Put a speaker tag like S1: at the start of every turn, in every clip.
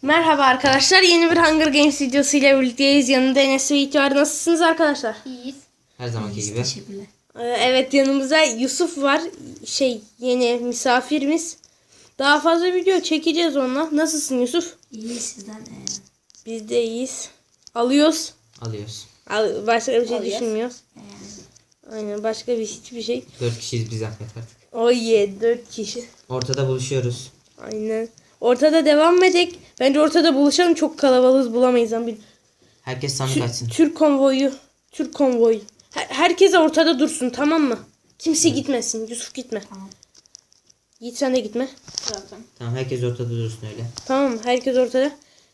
S1: Merhaba arkadaşlar. Yeni bir Hunger Games videosuyla birlikteyiz. Yanımda Enes ve Yiğit var. Nasılsınız arkadaşlar?
S2: İyiyiz.
S3: Her zamanki gibi.
S2: Teşekkürler.
S1: Evet, yanımızda Yusuf var. Yeni misafirimiz. Daha fazla video çekeceğiz onunla. Nasılsın Yusuf?
S2: İyi sizden.
S1: Biz de iyiyiz. Alıyoruz.
S3: Alıyoruz.
S1: Başka bir şey
S2: Alıyoruz.
S1: düşünmüyoruz. Aynen, başka hiçbir şey.
S3: 4 kişiyiz biz zahmet artık.
S1: Oh yeah, 4 kişi.
S3: Ortada buluşuyoruz.
S1: Aynen. Ortada devam edek. Bence ortada buluşalım. Çok kalabalığız, bulamayız.
S3: Herkes sandık açsın.
S1: Türk konvoyu. Herkes ortada dursun, tamam mı? Kimse gitmesin. Yusuf gitme.
S2: Tamam.
S1: Yiğit sen de gitme.
S2: Zaten.
S3: Tamam, herkes ortada dursun öyle.
S1: Tamam mı? Herkes ortada.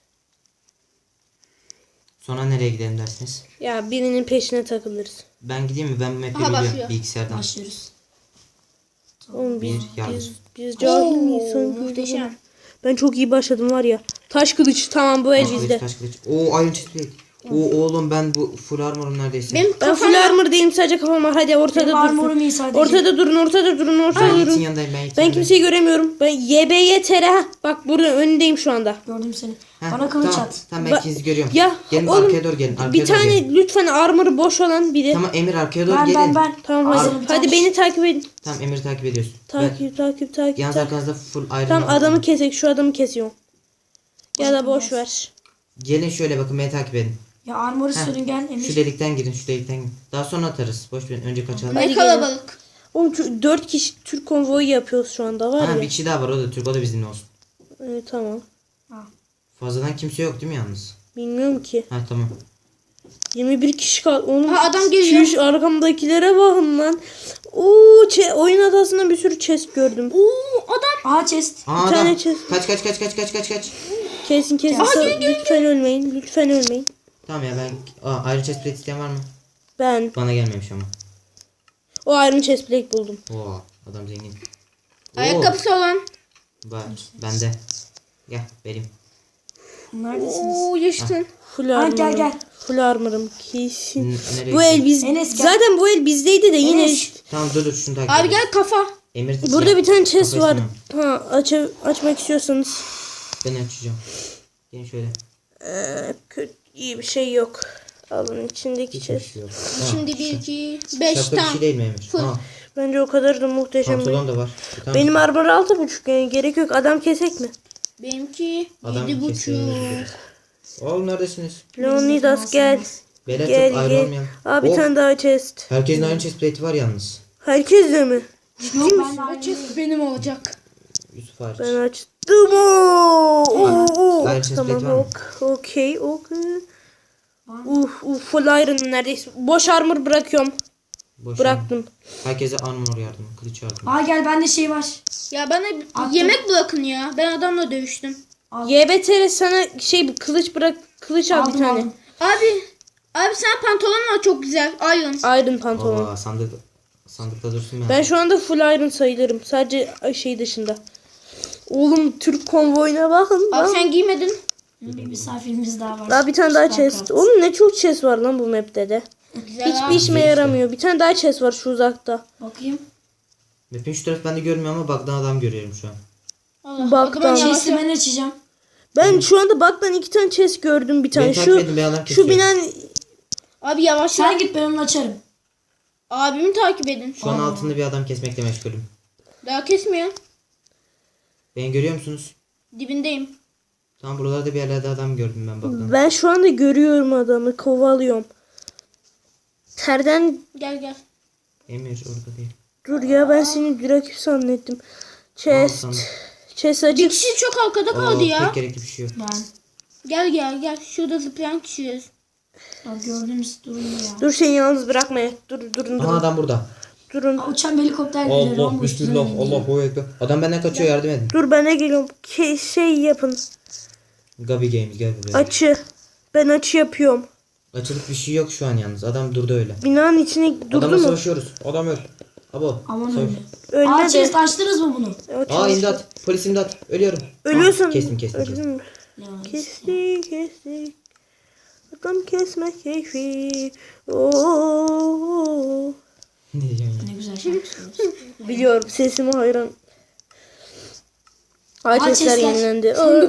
S3: Sonra nereye gidelim dersiniz?
S1: Ya birinin peşine takılırız.
S3: Ben gideyim mi? Ben bu map'i
S2: Aha,
S3: biliyorum
S2: başlıyor.
S3: bilgisayardan.
S2: Başlıyoruz.
S1: Oğlum
S3: Bir yalnız.
S1: biz cahil miyiz? Sanki
S2: Muhteşem.
S1: Ben çok iyi başladım var ya. Taş kılıç, tamam, bu el
S3: Taş
S1: bizde.
S3: kılıç, taş kılıç. Oo, Iron Chest Plate. Oo oğlum, ben bu full armor'um neredeyse.
S2: Benim
S1: Ben full armor değilim, sadece kafam var. Hadi ortada
S2: Benim armorum iyi
S1: dursun.
S2: sadece.
S1: Ortada durun.
S3: Ben Yiğit'in
S1: durun.
S3: yanındayım. Ben Yiğit'in
S1: Ben
S3: yanındayım.
S1: kimseyi göremiyorum. Ben YBYTR. Bak burada önündeyim şu anda.
S2: Gördüm seni.
S3: Heh,
S2: Bana kılıç
S3: tamam,
S2: at.
S3: Tamam, ben ikinizi görüyorum.
S1: Ya
S3: Gelin
S1: oğlum,
S3: arkaya doğru gelin. Arkaya
S1: bir
S3: doğru
S1: tane
S3: gelin.
S1: lütfen armor'ı boş olan biri.
S3: Tamam Emir, arkaya doğru
S2: Ben
S3: gelin.
S1: Tamam hadi.
S2: Armor bir
S1: Hadi
S2: tane.
S1: beni takip edin.
S3: Tamam, Emir'i takip ediyorsun.
S1: Takip.
S3: Yalnız arkanızda full Iron
S1: Tamam,
S3: var.
S1: adamı kesek. Şu adamı kesiyorum. Ya da boş ver.
S3: Gelin şöyle bakın, beni takip edin.
S2: Ya armoru sürün gel Emir.
S3: Şu delikten girin, şu delikten girin. Daha sonra atarız. Boş verin, önce kaçalım.
S1: Hadi
S2: Ne kalabalık.
S1: Oğlum 4 kişi Türk konvoyu yapıyoruz şu anda var
S3: Ha,
S1: ya.
S3: bir kişi daha var, o da Türk, o da bizimle olsun.
S1: Tamam.
S3: Fazladan kimse yok değil mi yalnız?
S1: Bilmiyorum ki.
S3: Ha tamam.
S1: 21 kişi kaldı. Oğlum,
S2: Ha, adam geliyor.
S1: Çüş, arkamdakilere bakın lan. Oyun adasında bir sürü chest gördüm.
S2: Aa chest.
S3: Aa,
S1: tane
S3: adam.
S1: chest.
S3: Kaç.
S1: Kesin. Lütfen ölmeyin.
S3: Tamam ya, ben... Iron chest plate isteyen var mı?
S1: Ben
S3: Bana gelmemiş ama.
S1: o Iron Chest Plate buldum.
S3: Oo, adam zengin.
S2: Ayakkabısı olan.
S3: Var, bende. Gel, vereyim.
S2: Neredesiniz?
S1: Yaşasın. Full
S2: Ha,
S1: armor'ım.
S2: gel.
S1: Full armor'ım kesin.
S3: Nereye
S1: Bu el
S3: gidiyorsun?
S1: biz
S2: Enes, gel.
S1: zaten bu el bizdeydi de yine
S2: Enes.
S3: Tamam, dur şunu takip
S2: Abi
S3: edin.
S2: gel kafa.
S3: Emir,
S1: burada bir tane chest
S3: kafayı
S1: var.
S3: istemem.
S1: Açmak istiyorsanız.
S3: Ben açacağım. Gelin şöyle.
S1: Kötü, iyi bir şey yok. Alın içindeki
S3: Hiçbir
S1: chest.
S3: şey yok.
S2: Şimdi 1, 2, 5
S3: Şapka bir
S2: tam.
S3: şey değil mi Emir?
S2: Full.
S3: Ha,
S1: Bence o kadar da muhteşem değil.
S3: pantolon da var. Tamam.
S1: Benim armor 6.5, yani gerek yok. Adam kesek mi?
S2: Benimki
S3: Adam
S2: 7,5.
S3: kesiyor. Oğlum neredesiniz?
S1: Leonidas gel.
S3: Beyler
S1: Gel
S3: çok
S1: gel.
S3: ayrılmayalım.
S1: Abi bir tane daha chest.
S3: Herkesin Iron chest plate'i var yalnız.
S1: Herkes de mi?
S2: Yok ben de aynı. Benim olacak.
S3: Yusuf hariç.
S1: Ben açtım. Oo.
S3: Iron chest plate var
S1: Tamam,
S3: mı?
S1: okey. Full iron neredeyse. Boş armor bırakıyorum.
S3: Boş ver.
S1: Bıraktım.
S3: Herkese armor yardım, kılıç yardım.
S2: Aa gel bende şey var. Ya bana Attım.
S1: yemek
S2: bırakın ya. Ben adamla dövüştüm.
S1: YBTR sana kılıç bırak. Kılıç al bir
S2: Aldım,
S1: tane.
S2: aldım. Abi sen pantolon var çok güzel. Iron.
S1: Iron pantolon.
S3: Aa, sandıkta dursun ben.
S1: Ben şu anda full iron sayılırım. Sadece şey dışında. Oğlum Türk konvoyuna bakın.
S2: Abi
S1: lan.
S2: sen giymedin.
S1: Hmm.
S2: Bir misafirimiz daha var.
S1: Daha bir tane daha
S2: Starcraft.
S1: chest. Oğlum ne çok chest var lan bu map'te de.
S2: Güzel
S1: Hiçbir
S2: abi.
S1: işime yaramıyor. Bir tane daha chest var şu uzakta.
S2: Bakayım.
S3: Map'in şu tarafı ben de görmüyorum ama bug'dan adam görüyorum şu an.
S2: Allah.
S1: Baktan.
S2: O zaman chest'i ben açacağım.
S1: Ben şu anda baktan 2 tane chest gördüm bir tane.
S3: Beni takip edin, ben adam
S1: Şu
S3: kesiyorum.
S1: binen
S2: Abi yavaş.
S4: Sen git ben onu açarım.
S2: Abimi takip edin.
S3: Şu an altında bir adam kesmekle meşgulüm.
S2: Daha kesmiyor.
S3: Beni görüyor musunuz?
S2: Dibindeyim.
S3: Tam buralarda bir yerlerde adam gördüm ben bug'dan.
S1: ben şu anda görüyorum adamı, kovalıyorum. Terden
S2: Gel.
S3: Emir orada değil.
S1: dur ya, ben seni bir rakip zannettim. Chest.
S3: Tamam.
S1: Chest
S2: Bir
S1: açık.
S2: kişi çok arkada kaldı ya.
S3: Pek gerekli bir şey yok.
S4: Ben.
S2: Gel. Şurada zıplayan kişiyiz.
S4: Ya gördüğünüz durum ya.
S1: Dur, seni yalnız bırakmayın. Durun.
S3: Aha, adam burada.
S1: Durun.
S4: Aa, uçan bir helikopter geliyor.
S3: Allah
S4: Rambo
S3: bismillah
S4: üstünden iniyor.
S3: Allahu ekber. Adam benden kaçıyor, yardım edin.
S1: Dur, ben de geliyorum. Şey yapın.
S3: Gabi Games gel buraya.
S1: Açı. Ben açı yapıyorum.
S3: Açılık bir şey yok şu an yalnız. Adam durdu öyle.
S1: Binanın içine durdu
S3: Adamla
S1: mu?
S3: savaşıyoruz. Adam öl. Abo.
S4: Aman
S3: savaş.
S4: öyle. Aa
S1: Ölme de.
S4: chest açtınız mı bunu?
S3: Aa, imdat. Polis imdat. Ölüyorum.
S1: Ölüyorsun.
S3: Aa, kestim.
S1: Öldün mü?
S4: Ya.
S1: Kestik. Adam kesme keyfi. Oo.
S3: Ne diyeceğim ya?
S4: Ne güzel şarkı söylüyorsun.
S1: Biliyorum, sesime hayran. Ağaç
S4: Ağaç
S1: sesler
S4: sesler.
S1: yenilendi.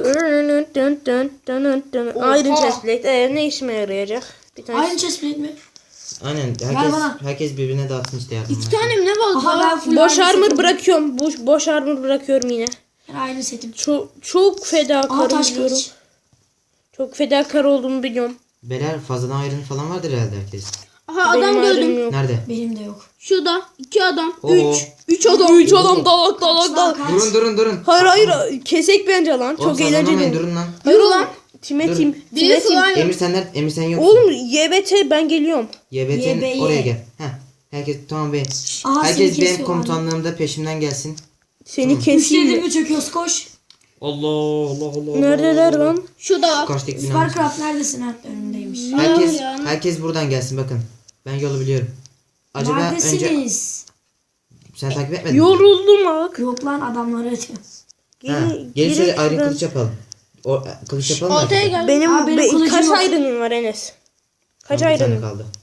S1: Iron chestplate. Ne işime yarayacak? Bir tane.
S4: Iron chestplate mi?
S3: Aynen
S4: bana.
S3: herkes birbirine dağıtsın işte yardım.
S2: İki tane mi ne var?
S4: Aha ben full
S1: Boş
S4: iron
S1: armor
S4: setim.
S1: bırakıyorum. Boş armor bırakıyorum yine.
S4: Ben aynı setim.
S1: Çok
S4: Aha
S1: fedakarım
S4: taş
S1: biliyorum.
S4: kılıç.
S1: Çok fedakar olduğumu biliyorum.
S3: Beyler fazladan ayrın falan vardır herhalde herkes.
S2: Aha adam
S1: Benim
S2: gördüm.
S1: ayrım yok.
S3: Nerede?
S4: Benim de yok.
S2: Şurada 2 adam.
S3: Oo.
S2: 3 adam.
S1: 3 adam dalak dalak dalak.
S4: Kaç?
S3: Durun.
S1: Hayır kesek bence lan.
S3: Oğlum
S1: Çok
S3: saçmalamayın,
S1: eğlenceli.
S3: durun lan.
S1: Hayır
S2: Yürü
S1: oğlum.
S2: lan.
S1: Time
S3: Dur.
S1: team.
S2: Biri
S1: Time team.
S2: slime.
S3: Emir sen yoksun.
S1: Oğlum YBT ben geliyorum.
S3: YBT'nin
S4: YBY.
S3: oraya gel. Heh. Herkes tamam be.
S4: Aha,
S3: Herkes
S4: seni
S3: benim
S4: kesiyor
S3: komutanlığımda peşimden gelsin.
S1: Seni
S4: Üçledim
S1: keseyim.
S4: mi çöküyoruz koş.
S3: Allah.
S1: Neredeler lan?
S2: Şurada var.
S3: Karşıdaki binanın.
S4: Sparcraft neredesin? Ha, önündeymiş.
S3: Herkes buradan gelsin bakın. Ben yolu biliyorum. Acaba önce
S4: Neredesiniz?
S3: sen takip etmedin mi?
S1: Yoruldum bak.
S4: Yok lan adamları atıyor.
S3: Ha, gelin şöyle ayrı
S1: şuradan.
S3: kılıç yapalım. Kılıç yapalım mı?
S2: Ortaya
S3: arkadaşlar?
S2: gel.
S1: Benim,
S4: Aa, benim kılıcım
S1: kaç
S4: yok.
S1: ayrının var Enes? Kaç
S3: Tamam, bir tane
S1: ayrının?
S3: kaldı.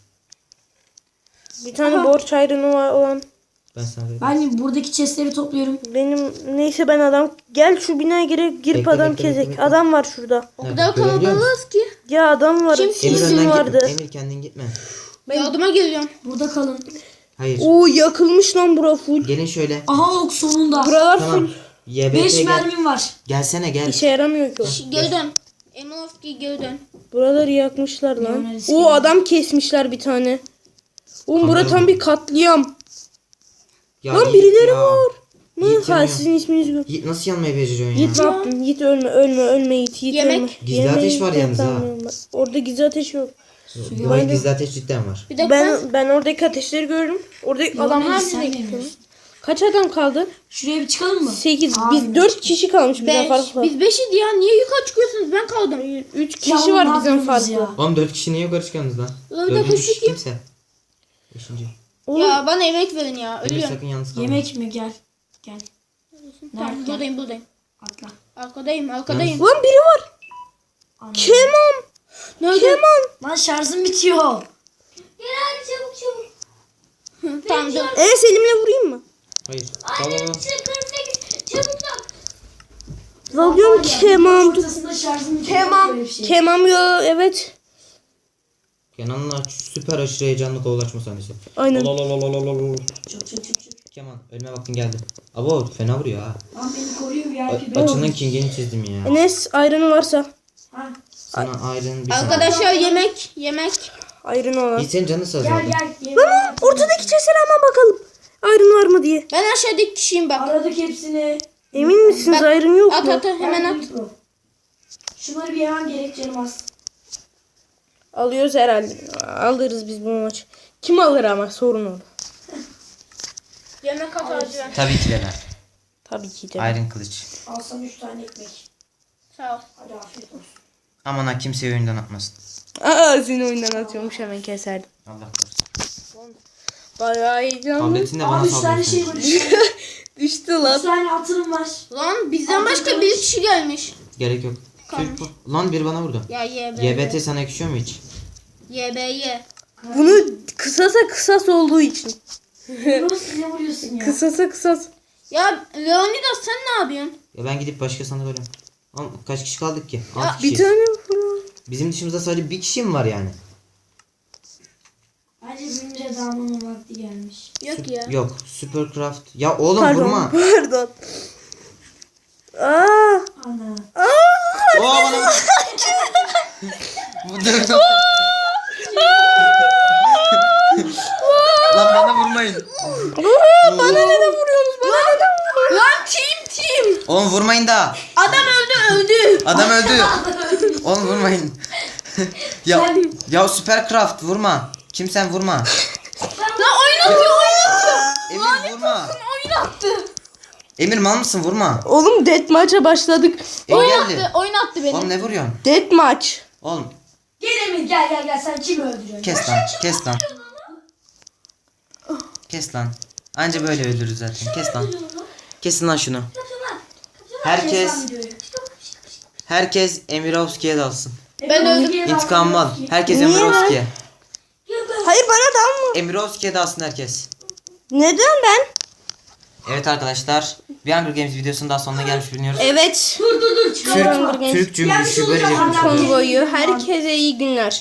S1: Bir tane borç ayrını var olan.
S3: Ben sana vereyim.
S4: Ben buradaki chestleri topluyorum.
S1: Benim neyse ben adam. Gel şu binaya girip
S3: Bekle,
S1: adam
S3: bekle,
S1: kezek.
S3: bekle.
S1: Adam var şurada.
S2: O
S3: Nerede?
S2: kadar
S3: Görebiliyor musun?
S2: kalabalığız ki.
S1: Ya adam var.
S2: Kim?
S3: Emir
S1: İsim
S3: önden
S1: vardı.
S3: gitme. Emir kendin gitme.
S2: Yardıma geliyorum.
S4: Burada kalın.
S3: Hayır.
S1: Oo yakılmış lan bura full.
S3: Gelin şöyle.
S4: Aha ok sonunda.
S1: Buralar
S3: Tamam.
S1: full.
S3: YBT
S4: 5
S3: gel.
S4: mermim var.
S3: Gelsene gel.
S1: İşe yaramıyor ki o.
S2: Geri dön. Eminovski geri dön.
S1: Buraları yakmışlar lan.
S4: Leonel
S1: O adam kesmişler bir tane. Oğlum bura
S3: Kanka
S1: tam
S3: bu.
S1: bir katliam.
S3: Ya
S1: Lan
S3: Yiğit
S1: birileri
S3: ya.
S1: var.
S3: Yiğit
S1: Ha
S3: yanıyor.
S1: sizin isminiz yok.
S3: Yiğit nasıl yanmayı beceriyorsun ya?
S1: Yiğit ne yaptın? Yiğit ölme Yiğit. Yiğit
S2: Yemek.
S1: ölme.
S3: Gizli ateş var yalnız ha.
S1: Orada gizli ateş yok.
S3: Hayır gizli ateş cidden var.
S2: Bir dakika.
S1: Ben oradaki ateşleri gördüm. Oradaki adamlar
S4: sen
S1: bize gitti.
S4: gelmiyorsun.
S1: Kaç adam kaldı?
S4: Şuraya bir çıkalım mı?
S1: 8.
S4: Abi,
S1: Biz 4 kişi kalmış bizden
S2: 5.
S1: farklı.
S2: Biz 5'iz ya. Niye yukarı çıkıyorsunuz? Ben kaldım.
S1: 3
S4: Ya
S1: kişi
S4: oğlum,
S1: var
S4: ne
S1: bizden
S4: yapıyorsunuz
S1: farklı.
S4: ya?
S3: Oğlum 4 kişi niye yukarı çıkıyorsunuz lan?
S2: Ulan bir dakika,
S3: 4. kişi
S2: şu kim?
S3: kimse. 5.
S1: Oğlum,
S2: Ya bana yemek verin ya.
S3: Emir
S2: Ölüyorum.
S3: sakın yalnız kalma.
S4: Yemek mi? Gel. Gel.
S2: Tamam,
S4: Nerede?
S2: buradayım.
S4: Atla.
S2: Arkadayım. Arkadayım.
S1: Lan biri var.
S4: Anladım.
S1: Keman.
S2: Nerede?
S1: Keman.
S4: Lan şarjım bitiyor.
S2: Gel hadi çabuk. Tamam dur.
S1: Enes elimle vurayım mı?
S3: Hayır. Tamam.
S1: Dalıyorum Keman.
S4: Ortasında şarjım bitiyor.
S1: Keman.
S4: Böyle bir şey.
S1: Keman ya evet.
S3: Kenan'la süper aşırı heyecanlı kovalaşma sahnesi.
S1: Aynen.
S4: Çok.
S3: Keman ölme vaktin geldi. Abo fena vuruyor ha.
S4: Lan beni koruyor VIP.
S3: Açının kingini çizdim ya.
S1: Enes ayranı varsa.
S4: Ha.
S3: Sana ayrın bir tane.
S2: Arkadaşlar yemek.
S1: Ayranı olan.
S3: Yiğit senin canın sağ
S4: Gel
S3: zaten.
S4: gel.
S1: Lan ortadaki chest'e hemen bakalım. Ayrın var mı diye.
S2: Ben aşağıdaki kişiyim bak.
S4: Aradık hepsini.
S1: Emin misiniz
S2: Bak,
S1: ayrın yok
S2: At
S1: mu?
S2: at hemen at.
S4: Şunları bir yemem gerek canım az.
S1: Alıyoruz herhalde. Alırız biz bu maçı. Kim alır ama sorun o.
S2: Yemek at acı ver.
S3: Tabii ki de.
S1: Tabii ki de.
S3: Ayrın kılıç.
S4: Alsam 3 tane ekmek.
S2: Sağ ol.
S4: Hadi afiyet olsun.
S3: Aman ha kimseyi oyundan atmasın.
S1: Aa seni oyundan atıyormuş hemen keserdim.
S3: Allah korusun.
S1: Bayağı heyecanlı.
S3: Tabletini de bana
S4: Abi 3 tane şey
S3: sallıyorsun.
S4: var. 3 tane,
S1: Düştü
S4: üç
S1: lan.
S4: tane atırım var.
S2: Lan bizden başka bir kişi gelmiş.
S3: Gerek yok. Türk bu. Lan biri bana vurdu.
S2: Ya YB.
S3: YBT sana yakışıyor mu hiç?
S2: YBY.
S1: Bunu kısas olduğu için.
S4: Bunu size vuruyorsun ya.
S1: Kısas.
S2: Ya Leonidas sen ne yapıyorsun?
S3: Ya ben gidip başka sandık arıyorum. Oğlum kaç kişi kaldık ki? 6
S1: Bir
S3: kişi.
S1: tane vurun.
S3: Bizim dışımızda sadece bir kişi mi var yani?
S4: Bence birbirimize dalmanın vakti gelmiş.
S2: Yok ya.
S3: Yok. Supercraft. Ya oğlum
S1: Pardon.
S3: vurma.
S1: Pardon. Aa.
S4: Ana.
S3: Oo bana vur. Bu dur. Lan bana vurmayın.
S1: Bana neden vuruyorsunuz? Bana neden vuruyorsunuz?
S2: Lan team.
S3: Oğlum vurmayın da.
S2: Adam öldü.
S3: Adam öldü. Oğlum vurmayın. ya Supercraft vurma. Kimsen vurma.
S2: Lan oynatıyor.
S3: Emir vurma.
S2: Oynattı.
S3: Emir mal mısın vurma.
S1: Oğlum deathmatch'a başladık.
S3: Emir geldi.
S2: Oynattı beni.
S3: Oğlum ne vuruyorsun?
S1: Deathmatch.
S3: Oğlum
S4: Gel Emir gel sen kimi öldürüyorsun?
S3: kes lan. Kes lan. Anca böyle öldürürüz zaten. Kes lan. Kesin lan şunu. Herkes Emirovski'ye dalsın.
S2: Ben öldüm.
S3: İntikamımı al. Herkes
S1: Niye lan?
S3: Emirovski'ye.
S1: Hayır bana dalma.
S3: Emirovski'ye dalsın herkes.
S1: Neden ben?
S3: Evet arkadaşlar. Bir Hunger Games videosunun daha sonuna gelmiş bulunuyoruz.
S1: Evet.
S4: Dur çıkalım.
S1: Hunger Games
S3: Türk cümbüşü böylece
S4: soracağım.
S3: konuşuyoruz.
S1: konvoyu. Herkese iyi günler.